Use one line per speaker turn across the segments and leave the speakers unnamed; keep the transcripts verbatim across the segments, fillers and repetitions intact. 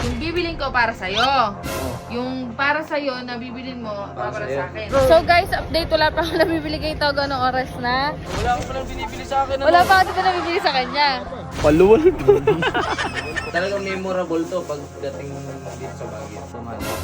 Yung bibilin ko para sa'yo.
Oh.
Yung para sa'yo na bibilin mo, para, para
sa'yo.
sa akin. So guys, update. Wala pa ako nabibili kay Togo ng oras na.
Wala ka palang binibili sa akin.
Wala pa ako dito nabibili sa kanya.
Paluwal pa. Talagang memorable to pagdating dito sa Baguio. Sa Manila.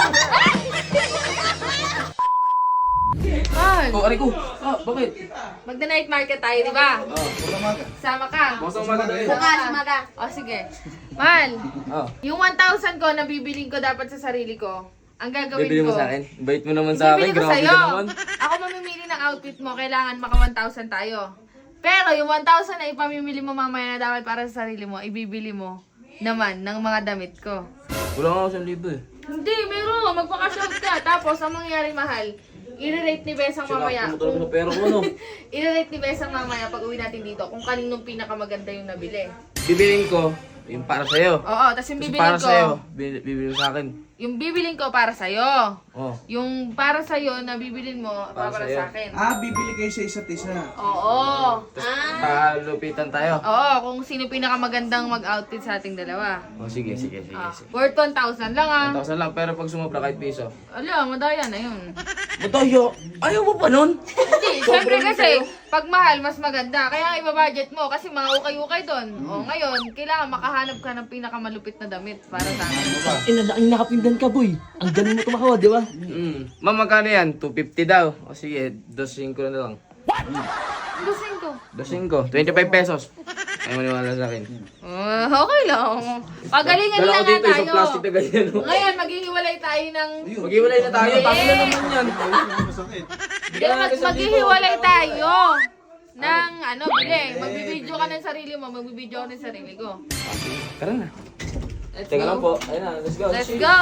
Man,
Oh, aray ko. Ah, bakit?
magda-night market tayo, di ba?
Oh,
Sama ka.
Basta umaga tayo.
Bukas, umaga. O sige. Mahal,
Oh.
yung one thousand ko na bibiling ko dapat sa sarili ko, ang gagawin
Bibili
ko,
mo sa akin? Bait mo naman sa akin.
bibili ko
Grabe
sa'yo.
ka naman.
Ako mamimili ng outfit mo, kailangan maka one thousand tayo. Pero yung one thousand na ipamimili mo mamaya na dapat para sa sarili mo, ibibili mo naman ng mga damit ko.
Wala nga ako sa libo eh.
Hindi, meron. Magpa-cash out ka. Tapos, ang mangyayari, mahal, i-rate ni Besang mamaya.
Sinakto mo talaga sa pera ko, no?
I-rate ni Besang mamaya pag uwi natin dito kung kaninong pinakamaganda yung nabili.
Bibilin ko, yung para sa'yo.
Oo, tapos yung
Kasi
bibilin
para
ko,
sa'yo, bi- bibili mo sa akin.
yung bibilin ko para sa'yo.
Oh.
Yung para sa'yo na bibilin mo, para,
Para
para
sa'yo.
sa akin.
Ah, bibili kayo sa isa't isa.
Oo.
Palupitan tayo.
Oo, kung sino pinakamagandang mag-outfit sa ating dalawa.
Oh, sige, sige, sige.
Ah,
sige.
worth one thousand lang ah.
one thousand lang, pero pag sumobra kahit piso.
Ala, madaya na yun.
Matayo! Ayaw mo pa nun?
Hindi, syempre kasi, pag mahal, mas maganda. Kaya ibabudget mo kasi mga ukay-ukay doon. O ngayon, kailangan makahanap ka ng pinakamalupit na damit para sa akin.
Inalaking nakapindan ka, boy. Ang galing mo tumakawa, di ba?
Mm. Ma'am, magkano yan? two fifty daw. O sige, two fifty na lang.
Gusin ko.
two fifty, twenty-five pesos. Ayaw maniwala sa akin.
Uh, okay lang. Pagalingan
Dala
lang
ko
nga
dito, isang
tayo.
plastic na ganyan. oh.
Ngayon, maghihiwalay tayo ng...
Maghiwalay na tayo.
Eh.
Tama na naman yan.
Hindi, mag maghihiwalay tayo. Ng ano, bili. Magbibideo ka ng sarili mo, magbibideo ako ng sarili ko.
Tara na.
Let's
Teka
go.
lang po. Ayun na, let's go.
Let's go!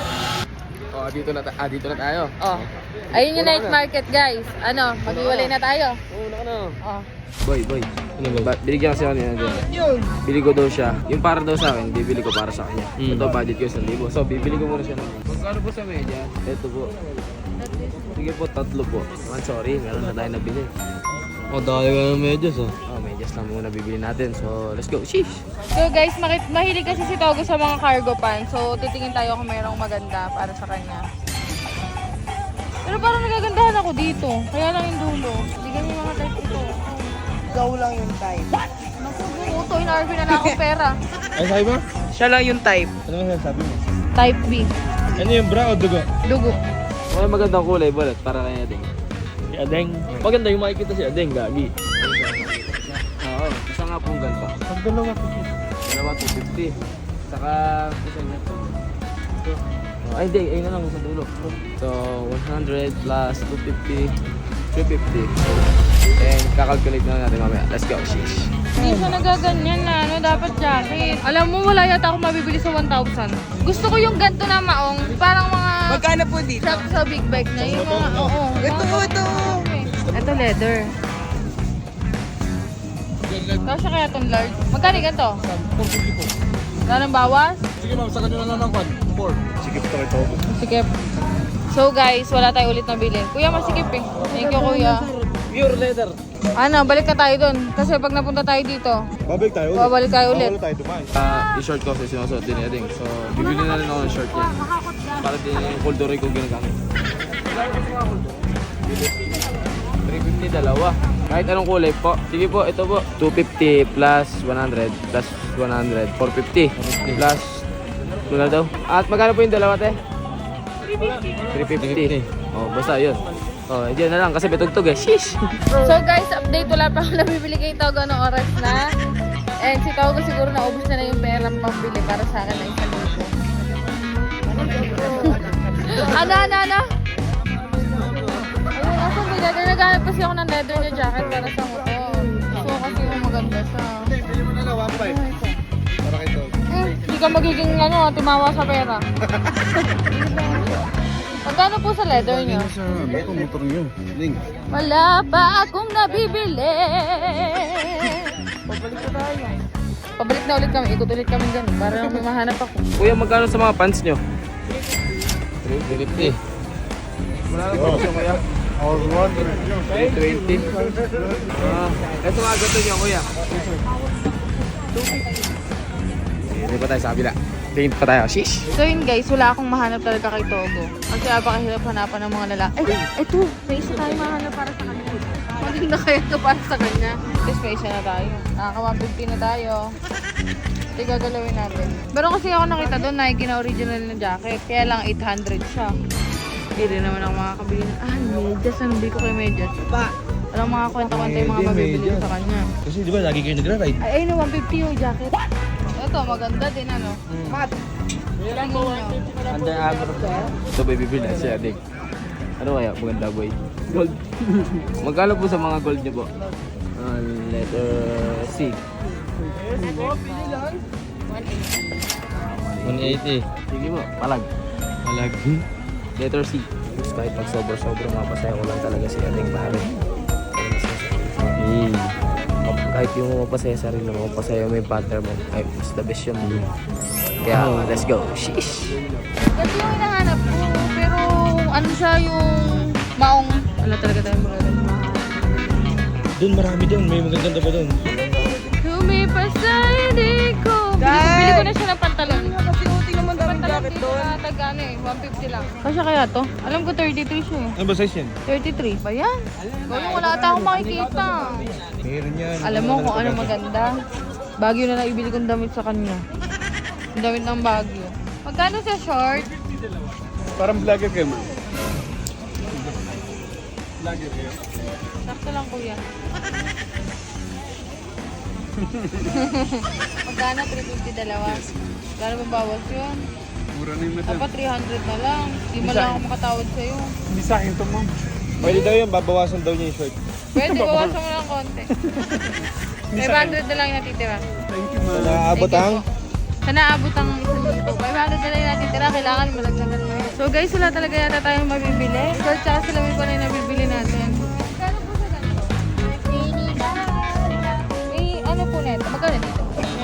Oh, dito na, ah, dito na tayo.
Oh. Ayun yung night market, guys. Ano, maghiwalay na tayo.
Oo, naka na.
Oh.
Boy, boy. Ano ba? Binigyan kasi ako niya dyan. Bili ko daw siya. Yung para daw sa akin, bibili ko para sa kanya. Ito, budget ko isang libo. So, bibili ko muna siya ng... Magkano po sa media? Ito po. Sige po, tatlo po. Man, sorry, meron na tayo nabili.
O, dahil ka ng medyas, ah.
Oh, medyas lang muna bibili natin. So, let's go. Sheesh!
So guys, makit mahilig kasi si Togo sa mga cargo pants. So titingin tayo kung mayroong maganda para sa kanya. Pero parang nagagandahan ako dito. Kaya lang yung dulo. Hindi ganyan yung mga type ito.
Ikaw lang yung type.
Naku, buto. In-R V na lang akong pera.
Ay, sabi mo?
Siya lang yung type.
Ano nga sabi mo?
Type B.
Ano yung bra o dugo?
Dugo.
May magandang kulay, balat, para kanya din.
Si Adeng. Maganda yung makikita si Adeng, gagi.
Oo, isa nga pong ganda.
Pag dalawa ko.
Dalawa, two fifty. Saka, isa niya. Ito. Oh, ay, hindi. Ayun na lang sa dulo. So, one hundred plus two fifty. three fifty. And kakalculate na natin mamaya. Let's go, sheesh.
Hindi siya nagaganyan na ano, dapat jacket. Alam mo, wala yata ako mabibili sa one thousand. Gusto ko yung ganito na maong, parang mga
Magkano po dito?
sa, sa big bag na. Yung mga, oo.
Ito,
mga-
ito.
Ito leather. Kasya kaya itong large. Magkano ganito? Wala nang bawas?
Sige ma'am, sa kanila na lang kwan. four. Sige po ito.
Sikip. So guys, wala tayo ulit na bilhin. Kuya, masikip eh. Thank you, kuya.
Pure leather.
Ano, balik na tayo dun. Kasi pag napunta tayo dito,
Babalik tayo ulit.
babalik tayo ulit.
Babalik tayo dumaan.
Uh, yung short ko kasi sinusuot din ni Ading. So, bibili na rin ako ng short niya. Para din yung kulduroy ko ginagamit. three fifty dalawa. Kahit anong kulay po. Sige po, ito po. two fifty plus one hundred plus one hundred. four fifty. Plus, wala daw. At magkano po yung dalawa, te? three fifty. Oh, basta yun. Oh, diyan na lang kasi betugtog eh. Sheesh!
So guys, update. Wala pa ako nabibili kay Togo ng oras na. And si Togo siguro naubos na na yung pera pambili para sa akin na isang libo. Ano, ano, ano? Ayun, asan ba leather? Naghanap kasi ako ng leather na jacket para sa motor. So kasi yung maganda siya.
Hindi mo na lang, one five. Para kay Togo.
Hmm, hindi ka magiging ano, timawa sa pera. Magkano po sa leather nyo?
Sa ito, motor niyo. Ling.
Wala pa akong nabibili.
Pabalik na tayo.
Pabalik na ulit kami, ikot ulit kami dyan para may mahanap ako.
Kuya, magkano sa mga pants nyo? three fifty. Wala na po siya, kuya.
All one.
three twenty. Ah, eto mga gato nyo, kuya. Hindi pa tayo sa kabila. Tingin pa tayo. Shish!
So yun guys, wala akong mahanap talaga kay Togo. Kasi napakahirap hanapan ng mga lalaki. Ay, eto! May isa tayo mahanap para sa kanya. Maganda kaya ito para sa kanya. Tapos may isa na tayo. Nakaka one fifty na tayo. Ito yung gagalawin natin. Pero kasi ako nakita doon, Nike na original na jacket. Kaya lang eight hundred siya. Hindi rin naman ako makakabili na. Ah, medyas. Ano bili ko kay medyas? Pa! Alam mga kwenta-kwenta yung mga mabibili ko sa kanya.
Kasi di ba lagi kayo nagra-ride?
Ay, ayun, one fifty yung jacket. Ito, maganda din ano. Mat! Tingin nyo.
Under Armour. Ito ba bibili na siya, Dick? Ano kaya? Maganda boy. Gold. Magkano po sa mga gold niyo po? Uh, letter C.
one eighty.
Sige po, palag.
Malag.
Letter C. Tapos kahit pag sobra-sobra mapasaya ko lang talaga si ating pare. Mm. Kahit yung mapasaya sarili mo, mapasaya mo yung partner mo, ay mas the best yun. Kaya let's go. Sheesh!
Ito yung hinahanap ko. Pero ano siya yung maong. Wala talaga tayong magaganda mahal.
Doon marami doon. May magaganda pa doon.
Lumipas sa hindi ko. Bili, bili ko na siya ng pantalon.
Kasi uti naman daming
Pantalon
jacket
dito
doon.
na tag ano eh, one fifty lang. Kasya kaya to? Alam ko thirty-three siya eh.
Ano ba size yan?
thirty-three ba yan? Gawin, wala ata akong makikita.
Meron yan.
Alam mo kung ano maganda? Baguio na lang ibili kong damit sa kanya. Yung damit ng Baguio. Magkano sa short?
Parang vlogger kayo man.
Sakto lang kuya. Magkano? three fifty dalawa. Gano'n ba bawas yun?
Mura na yung mata.
Dapat three hundred na lang. Di mo lang ako makatawad sa'yo.
Hindi sa akin to, ma'am. Pwede daw yan. Babawasan daw niya yung short.
Pwede, bawasan mo lang konti. five hundred na lang yung natitira.
Thank you, ma'am. Naabot ang?
Sa naabot ang isang libo. five hundred na lang yung natitira. Kailangan malagdagan mo yun. So guys, wala talaga yata tayong mabibili. Short tsaka sila may pala yung nabibili natin. Magkano po sa ganito? May ano po neto? Magkano dito?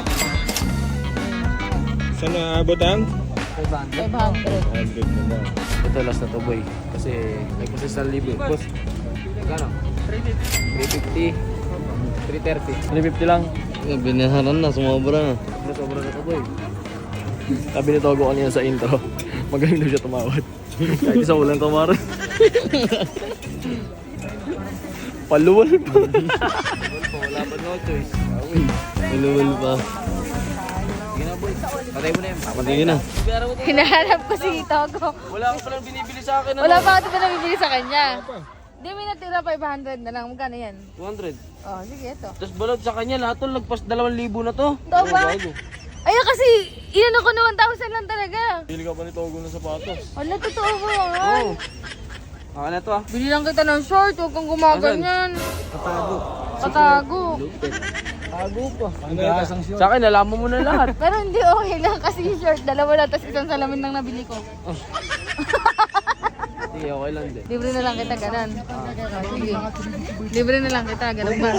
Saan naabot ang?
five hundred.
one hundred na lang.
Ito last na to boy. Kasi nagpasa sa libo. Boss, magkano? three fifty. three thirty.
three fifty lang. Binaharan na, sumobra na.
Ano sobra na to boy? Sabi ni Togo kanina sa intro, magaling na siya tumawad. Kahit isang ulang tumaran. Paluwal pa. Wala pa no choice.
Inuwal pa.
Sige na boy. Patay mo na yan.
Patingin na.
Hinahanap ko si Togo.
Wala ka palang binibili sa akin.
Wala pa ako pa nabibili sa kanya. Di may natira five hundred na lang. Magkano yan?
two hundred.
Oh, sige ito.
Tapos balot sa kanya, lahat to lagpas dalawang libo na to.
Ito ba? Ay, kasi iyan ako na one thousand lang talaga.
Bili ka pa ni Togo ng sapatos.
Wala, totoo ko yan.
Ako na to ah.
Bili lang kita ng short, huwag kang gumaganyan.
Katago.
Katago.
Tago pa. Sa akin, nalaman mo na lahat.
Pero hindi okay lang kasi yung short, dalawa lang, tapos isang salamin lang nabili ko.
Sige, okay lang din.
Libre na lang kita, ganun. Oh, sige. Libre na lang kita, ganun ba?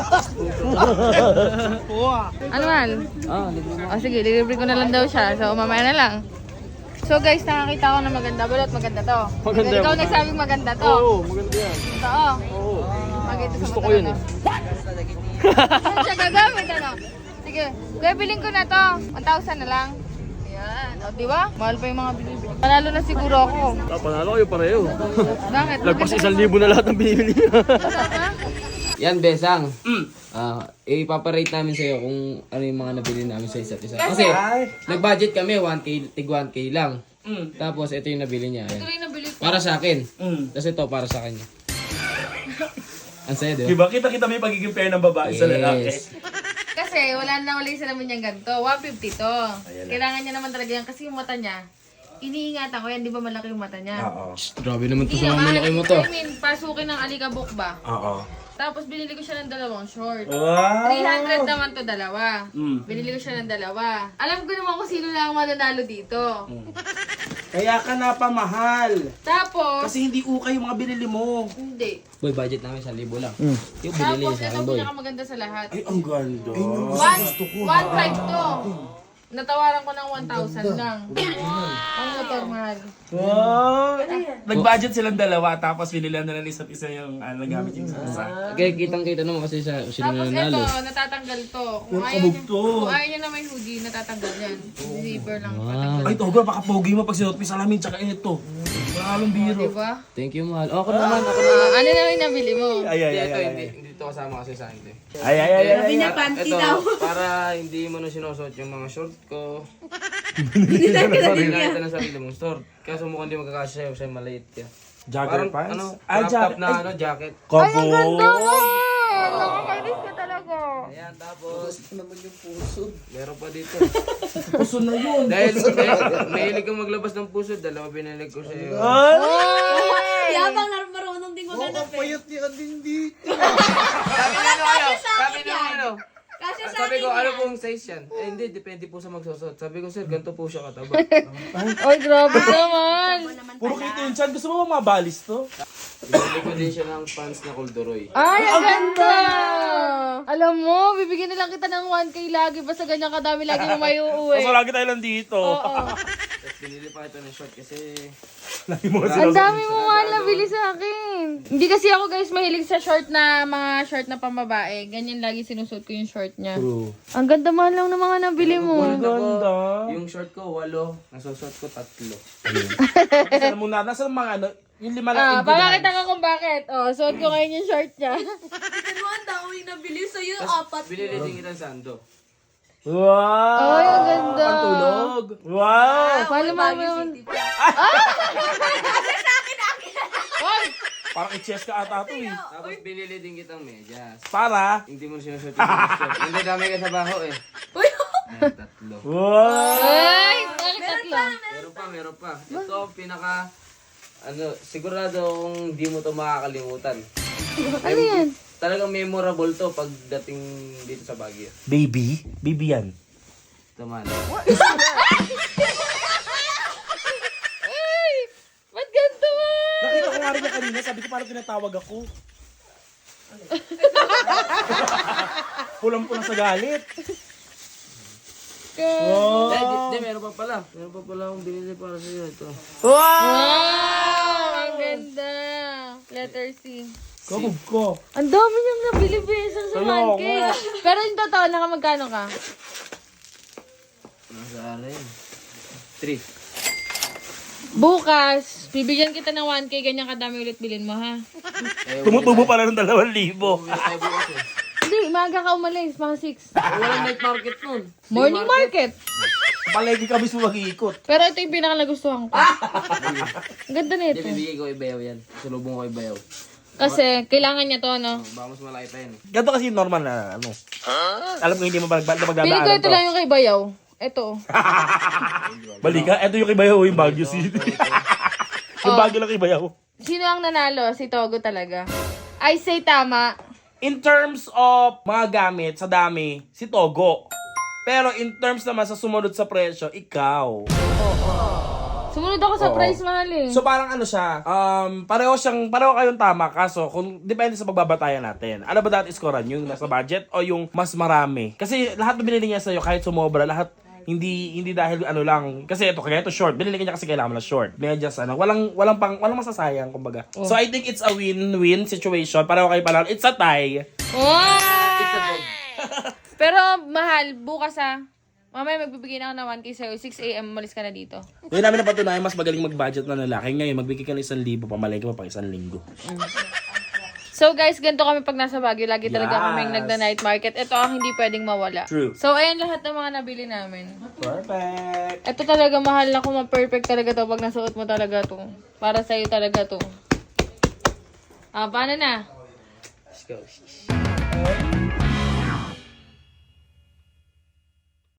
Ano man?
Ah, libre mo.
O sige, libre ko na lang daw siya. So, mamaya na lang. So guys, nakakita ko na maganda. Balot, maganda to.
Maganda
Ikaw
yun.
nagsabing maganda to.
Oo, maganda yan.
Totoo.
Oo.
Maganda sa
Gusto
mata
ko yun
na
eh.
to. Saan siya gagamit, ano? Sige, kuya, bilhin ko na to. one thousand na lang. Ayan. O, di ba? Mahal pa yung mga binibili. Panalo na siguro ako.
Ah, panalo kayo pareho.
Bakit?
Lagpas isang libo na lahat ang binibili niya.
Tama?
Yan, Besang. Ah, ipaparate namin sa'yo kung ano yung mga nabili namin sa isa't isa. Kasi, nag-budget kami, one K, tig one K lang. Tapos, ito yung nabili niya.
Ito
Ayan.
rin nabili ko.
Para sa akin. Tapos ito, para sa kanya. Ang saya, di ba?
Diba? Kita-kita mo yung pagiging pair ng babae sa lalaki.
Yes.
Kasi wala na wala yung salamin niyang ganito. one fifty to. Kailangan niya naman talaga yan kasi yung mata niya, iniingatan ko yan, di ba malaki yung mata niya?
Oo.
Grabe naman to
Hindi
sa mga
naman.
malaki mo to.
I mean, pasukin ng alikabok ba?
Oo.
Tapos binili ko siya ng dalawang short.
Wow!
three hundred naman to dalawa.
Mm.
Binili ko siya ng dalawa. Alam ko naman kung sino lang ang mananalo dito.
Kaya ka napamahal.
Tapos,
Kasi hindi ukay yung mga binili mo.
hindi.
Boy, budget namin sa libo lang. Yung binili
Tapos,
niya sa
ito
akin, boy.
pinakamaganda sa lahat.
Ay, ang ganda.
One, one five to. natawaran ko ng one thousand lang. Ang motor, mahal.
Wow! Nag-budget silang dalawa, tapos binila na lang isa't isa yung ano, gamit yung isa.
Kaya kitang-kita naman kasi sa sila
Tapos
nanalo.
ito, natatanggal to. Kung
Puro
ayaw,
kabog
niya,
to.
kung ayaw niya na may hoodie, natatanggal yan. Zipper lang. Tatanggal.
Ay, Togo, baka pogi mo pag sinuot mo yung salamin, tsaka ito. Wala halong biro.
Diba?
Thank you, mahal. Ako naman, ako naman.
Ah, ano naman yung nabili mo?
Ay, ay,
Hindi,
ay,
ito,
ay,
hindi, hindi ito kasama kasi sa akin. eh.
ay, ay, ay, ay, ay.
Ito, para hindi mo na sinusuot yung mga short ko. Hindi na kita ng sarili mong short. Kaso mukhang hindi magkakasya sa'yo, sa'yo maliit ka.
Jogger
Parang,
pants?
ano,
Ay,
crop top
jacket.
na
Ay,
ano, jacket.
Kobo.
Nakakainis ka talaga.
Ayan, tapos... Meron pa dito.
Puso na yun.
Dahil may- mahilig kang maglabas ng puso, dalawa pinalig ko sa'yo.
Yabang na marunong din maghanap eh.
Payat niya din dito.
Sabi na ano, ano? Sabi na ano?
Kasi sa
Sabi
akin
ko, ano
yan.
pong size yan? Eh, hindi, depende po sa magsusot. Sabi ko, sir, ganito po siya kataba.
Ay, grabe naman.
Puro kita yun, Chan. Gusto mo ba mga balis to?
Binili ko din siya ng pants na kulduroy.
Ay, ang ganda! Alam mo, bibigyan na lang kita ng one K lagi. Basta ganyan kadami lagi mo may uuwi.
Kaso lagi tayo lang dito.
Oo.
Tapos binili pa ito ng short kasi...
Lagi mo kasi
Ang dami mo mahal na bili sa akin. Hindi kasi ako guys mahilig sa short na mga short na pambabae. Ganyan lagi sinusuot ko yung short niya.
True.
Ang ganda mahal lang ng mga nabili mo.
Ganda.
Yung short ko, walo. Nasusot ko, tatlo.
Kasi alam mo na, nasa mga ano, yung lima lang
Ah,
ingredient.
papakita ko kung bakit. Oh, suot ko ngayon yung short niya.
Ito mo ang dami nabili sa'yo,
Tapos
apat.
binili din kitang sando.
Wow!
Ay, ang ganda.
Pantulog.
Wow!
Paano mo naman?
Ay!
Parang i-chess ka ata to eh.
Tapos binili din kitang medyas.
Para?
Hindi mo sinusuot yung short. Hindi dami ka sa baho eh. Ayan, tatlo.
Wow!
Ay, bakit tatlo?
Meron pa, meron pa. Ito, pinaka... Ano, siguradong di mo to makakalimutan.
Ano yan?
Talagang memorable to pagdating dito sa Baguio.
Baby? Baby yan.
Ito man.
Ay, ba't ganito man?
Nakita ko nga rin niya kanina, sabi ko parang tinatawag ako. Pulang-pulang sa galit.
Hindi, di, di, meron pa pala. Meron pa pala akong binili para sa'yo. Ito.
Wow, ang ganda. Letter C.
Kabog ko.
Ang dami niyang nabili besang sa
Ayaw
one K.
nga.
Pero yung totoo, naka magkano ka?
Nasa akin. Three.
Bukas, bibigyan kita ng one K, ganyan kadami ulit bilhin mo, ha?
Eh,
Tumutubo pala ng dalawang libo.
Meron tayo bukas eh.
Hindi, maaga ka umalis, mga six.
Walang night market nun.
Morning market.
Palagi kami sa mag-iikot.
Pero ito yung pinaka nagustuhan ko. Ang ganda
Hindi,
nito.
bibigay ko ibayaw yan. Sulubong ko ibayaw.
Kasi, kailangan niya to, no?
Baka mas malaki pa yan. eh.
Ganito kasi yung normal na ano. Alam ko hindi mo mag-
Pili ko
magdadaanan
ito
to.
lang yung kay Bayaw. Ito.
Balika, eto yung Kibayaw, yung Baguio City. Yung Baguio lang Kibayaw.
Sino ang nanalo? Si Togo talaga. I say tama.
In terms of mga gamit sa dami, si Togo. Pero in terms naman sa sumunod sa presyo, ikaw.
Sumunod ako sa
Oo.
price, mahal eh.
So parang ano siya, um, pareho siyang, pareho kayong tama, kaso kung depende sa pagbabatayan natin. Ano ba dapat iskoran? Yung nasa budget o yung mas marami? Kasi lahat na binili niya sa'yo, kahit sumobra, lahat hindi hindi dahil ano lang. Kasi ito, kaya ito short. Binili niya kasi kailangan mo na short. Medyas, ano, walang, walang, pang, walang masasayang, kumbaga. So I think it's a win-win situation. Pareho kayo pala. It's a tie.
Wow! Pero mahal, bukas ah. Mamaya magbibigay na ako ng one K sa'yo. six A M, umalis ka na dito.
Ngayon namin napatunayan, mas magaling mag-budget na lalaki. Ngayon, magbigay ka ng isang libo, pamalay ka pa pang isang linggo.
So guys, ganito kami pag nasa Baguio. Lagi talaga
Yes.
kaming nagda-night market. Ito ang hindi pwedeng mawala.
True.
So ayan lahat ng mga nabili namin.
Perfect.
Ito talaga mahal na kung ma-perfect talaga to pag nasuot mo talaga to. Para sa'yo talaga to. Ah, paano na?
Let's go.